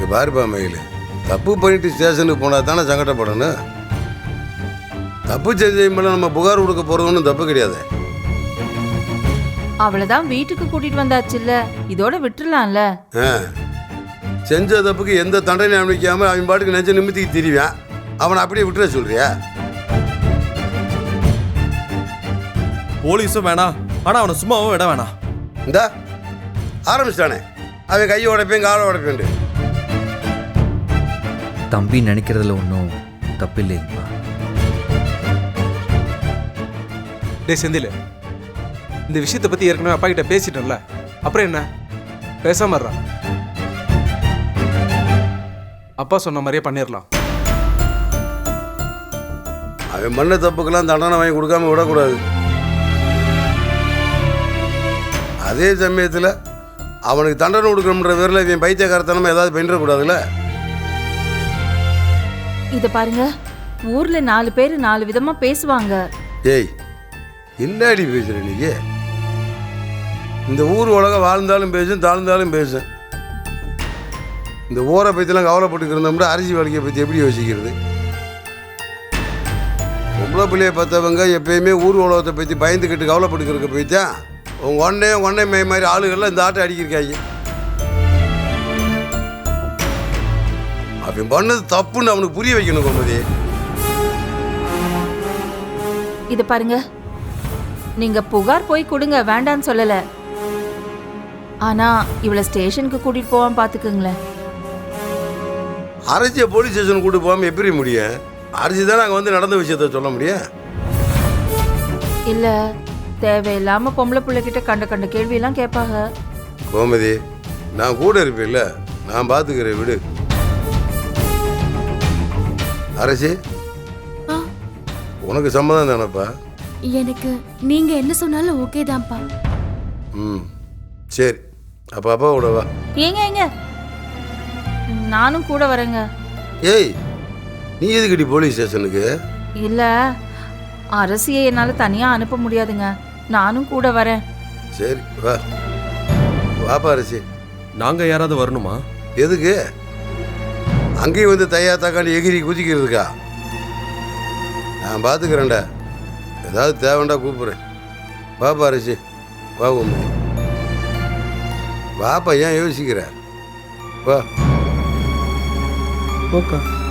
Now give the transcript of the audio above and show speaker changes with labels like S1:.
S1: இங்கே பாருப்பா மயில், தப்பு பண்ணிட்டு ஸ்டேஷனுக்கு போனால் தானே சங்கடப்படணும். தப்பு செஞ்ச மேலே நம்ம புகார் கொடுக்க போகிறது ஒன்றும் தப்பு கிடையாது.
S2: அவளைதான் வீட்டுக்கு கூட்டிட்டு வந்தாச்சுல்ல, இதோட விட்டுறலாம்ல.
S1: செஞ்ச தப்புக்கு எந்த தண்டனை அனுப்பிக்காம அவன் பாட்டுக்கு நெஞ்ச நிமித்திக்கு திரிவான். அவனை அப்படியே விட்டுற சொல்றியா?
S3: போலீஸும் வேணாம், ஆனால் அவனை சும்மாவும் விட வேணாம்.
S1: இந்த ஆரம்பிச்சிட்டானே அவன் கையை உடைப்பேன் காலை உடைப்பேன்.
S4: தம்பி நினைக்கிறதுல ஒன்றும் தப்பு இல்லைங்களா?
S5: டே செந்தில், இந்த விஷயத்தை பற்றி ஏற்கனவே அப்பா கிட்ட பேசிட்டோம்ல, அப்புறம் என்ன பேசாம இருறா. அப்பா சொன்ன மாதிரியே பண்ணிடலாம்.
S1: அவன் பண்ண தப்புக்கெல்லாம் தண்டனை வாங்கி கொடுக்காம விடக்கூடாது. அதே சமயத்தில் அவனுக்கு தண்டனை கொடுக்கணுன்ற பேரில் இவன் பைத்தியக்காரத்தனமா ஏதாவது பண்ணிடக்கூடாதுல்ல.
S2: இத பாருங்க, ஊர்ல 4 பேர் 4 விதமா பேசுவாங்க.
S1: ஏய், இன்னாடி பேசுற நீங்க? இந்த ஊர் உலகம் வாழ்ந்தாலும் பேசும், தாழ்ந்தாலும் பேசும். இந்த ஊரை பற்றிலாம் கவலைப்பட்டு இருந்தோம்னா அரிசி வலிக்கை பற்றி எப்படி யோசிக்கிறது? பொம்பளை பிள்ளையை பார்த்தவங்க எப்பயுமே ஊர் உலகத்தை பற்றி பயந்துக்கிட்டு கவலைப்பட்டுக்கிறக்க போய்த்தான் உங்கள் ஒன்னே மாதிரி ஆளுகள்லாம் இந்த ஆட்டை அடிக்கிருக்காங்க. அவன் பண்ணது தப்புன்னு அவனுக்கு புரிய வைக்கணும் கோமதி.
S2: இத பாருங்க, நீங்க புகார் போய் கொடுங்க, வேண்டான்னு சொல்லல. ஆனா இவளை ஸ்டேஷனுக்கு கூட்டிட்டு போவாம பாத்துக்குங்களேன்.
S1: அரசியை போலீஸ் ஸ்டேஷன் கூட்டு போகாமல் எப்படி முடியும்? அரசி தான் நாங்கள் வந்து நடந்த விஷயத்த சொல்ல முடியும்.
S2: இல்ல, தேவையில்லாம பொம்பளை பிள்ளைகிட்ட கண்ட கேள்வியெல்லாம் கேட்பாங்க.
S1: கோமதி, நான் கூட இருப்பேன்ல, நான் பார்த்துக்கிறேன் விடு. அரசி, உனக்கு சம்மதம் தானப்பா?
S6: எனக்கு நீங்க என்ன சொன்னாலும் ஓகே தான்ப்பா.
S1: சரி, அப்போ அப்பா கூட வா.
S2: ஏங்க நானும் கூட வரேங்க.
S1: ஏய், நீ எதுக்கிட்டி போலீஸ் ஸ்டேஷனுக்கு?
S2: இல்ல, அரசியை என்னால தனியா அனுப்ப முடியாதுங்க, நானும் கூட வரேன்.
S1: சரி வா, வாப்பா அரசி.
S3: நாங்கள் யாராவது வரணுமா?
S1: எதுக்கு? அங்கேயும் வந்து தையா தாக்காண்டி எகிரி குதிக்கிறதுக்கா? நான் பார்த்துக்கிறேன்டா, ஏதாவது தேவைண்டா கூப்பிட்றேன். வாப்பா அரசி, வா உண்மை வாப்பா, ஏன் யோசிக்கிற? வா.
S3: ஓகே.